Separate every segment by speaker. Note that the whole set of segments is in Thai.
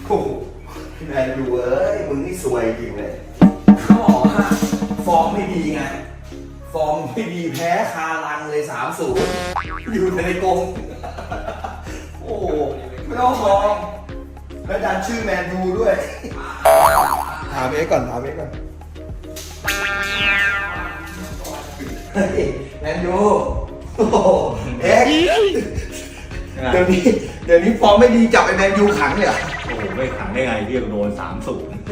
Speaker 1: โอ้แมนยูเอ้ยมึงนี่สวยจริงเลยเขาบอกว่าฟอร์มไม่ดีไงฟอร์มไม่ดีแพ้คารังเลย3-0อยู่ในกรงโอ้ไม่ต้องมองแล้วดันชื่อแมนยูด้วยถามเอ๊ก่อนเฮ้ยแมนยูโอ้เอ๊เดี๋ยวนี้ฟอร์มไม่ดีจับไอ้แมนยูขังเลยเหรอ
Speaker 2: โอ้โหไม่ขังได้ไงที่โดน3-0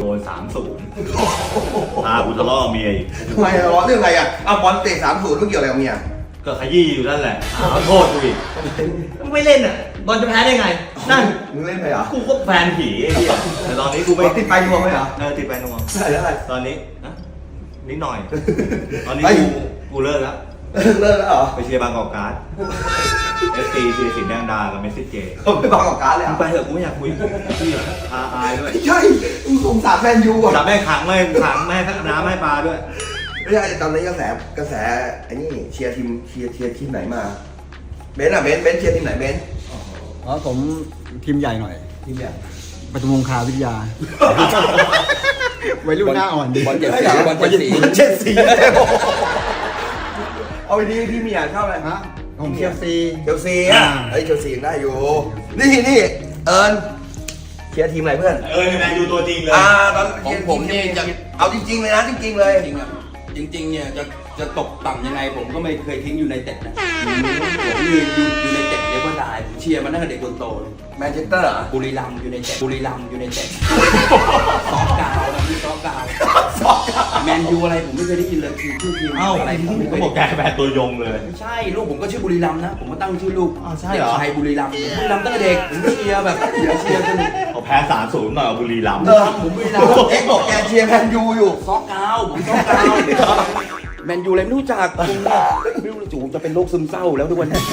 Speaker 2: พากูทะเลาะกับเมียอีก
Speaker 1: ทำไมร้อนเรื่องอะไรอ่ะเอาบอลเตะ3-0ไม่เกี่ยวอะไรกับเมีย
Speaker 2: ก็ขยี้อยู่นั่นแหละขอโทษกูอีกไม่เล่นอ่ะบอลจะแพ้ได้ไงนั่น
Speaker 1: มึงเล่นไปเหรอ
Speaker 2: กูก็แฟนผีไอ้เหี้ยแต่ตอนนี้กูไม่
Speaker 1: ติดไปนวมไหมเหรอ
Speaker 2: ติดไปนวม
Speaker 1: ใช่แล้วอะไร
Speaker 2: ตอนนี้นะนิดหน่อย ตอนนี้กูเลิกแล้ว
Speaker 1: เลิกแล้วเหรอ
Speaker 2: ไปเชียร์บางกอกการ์ดFC เชียร์สิงห์แดงดากับเมสซี่เจ
Speaker 1: เขาไปบังกับการเลย
Speaker 2: มึ
Speaker 1: อ่ะ
Speaker 2: งไปเถอะกูไม่อยากคุยพี่อายด้วย
Speaker 1: ใช่มึงสงสารแมนยูอ่ะ
Speaker 2: จับแม่ขังแม่น้ำให้ปลาด้วย
Speaker 1: ไม่ใช่ตอนนี้กระแสไอ้นี่เชียร์ทีมไหนมาเบนซ์เชียร์ทีมไหนเบนซ์
Speaker 3: อ๋อผมทีมใหญ่หน่อย
Speaker 1: ทีมใหญ่
Speaker 3: ปทุมคงคาวิทยาวัยรุ่นหน้าอ่อนดี
Speaker 1: บอลเจ็ดสีเอาไปดีพี่มีอ่านเข้าอะไร
Speaker 3: ฮะผมเชลซี
Speaker 1: เชลซีอ่ะเฮ้ยเชลซียังได้อยู่นี่เอิญเชียร์ทีมอะไรเพื่อน
Speaker 2: แมนยูตัวจริงเลย
Speaker 1: ตอน
Speaker 4: ของผมนี่จะ
Speaker 1: เอาจริงๆเลยนะจริงๆเลย
Speaker 4: จริงเนี่ยจะตกต่ำยังไงผมก็ไม่เคยทิ้งอยู่ในเต็ดนะผมอยู่ในเต็ดเรียกว่าได้ผมเชียร์มาตั้งแต่เด็กจนโตเลย
Speaker 1: แมนเชสเตอร์เหรอ
Speaker 4: บุรีรัมย์อยู่ในเต็ดซอกกาวนะพี่ซอกกาวแมนยูอะไรผมไม่เคยได้ยินเลยชื่อทีม
Speaker 2: เอ้า
Speaker 4: อะไรผมไม่เค
Speaker 2: เขา
Speaker 4: ย
Speaker 2: บอกแกแฟนตัวยงเลย
Speaker 4: ไม่ใช่ลูกผมก็ชื่อบุรีรัมย์นะผมก็ตั้งชื่อลูก
Speaker 2: อ้าวใช่เหรอ
Speaker 4: ด็กชายบุรีรัมย์ตั้งแต่เด็กผมเชียร์แบบเชียร์จน
Speaker 2: เขาแพ้3-0หน่อยเอาบุรีรัมย์
Speaker 4: ผมบุรีรัมย์
Speaker 1: เอ็กบอกแกเชียร์แมนยูอยู่
Speaker 4: ซอกกาวผมซอกกาวแมนยูอะไรไม่รู้จักคุณไม่รู้จู่จะเป็นโรคซึมเศร้าแล้วทุกวันนี้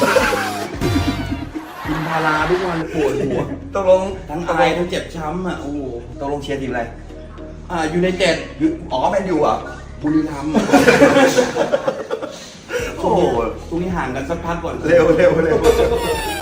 Speaker 4: กินพาราทุกวันปวดหัว
Speaker 1: ตกลง
Speaker 4: ทั้งอายทั้งเจ็บช้ำอ่ะโอ้โห
Speaker 1: ตกลงเชียร์ทีมอะไร
Speaker 4: อยู่ในเจ็ด
Speaker 1: อ๋อแมนยูเหรอ่ะ
Speaker 4: บุรีรัมย์
Speaker 1: โอ้โห
Speaker 4: ตรงนี้ห่างกันสักพักก่อน
Speaker 1: เร็ว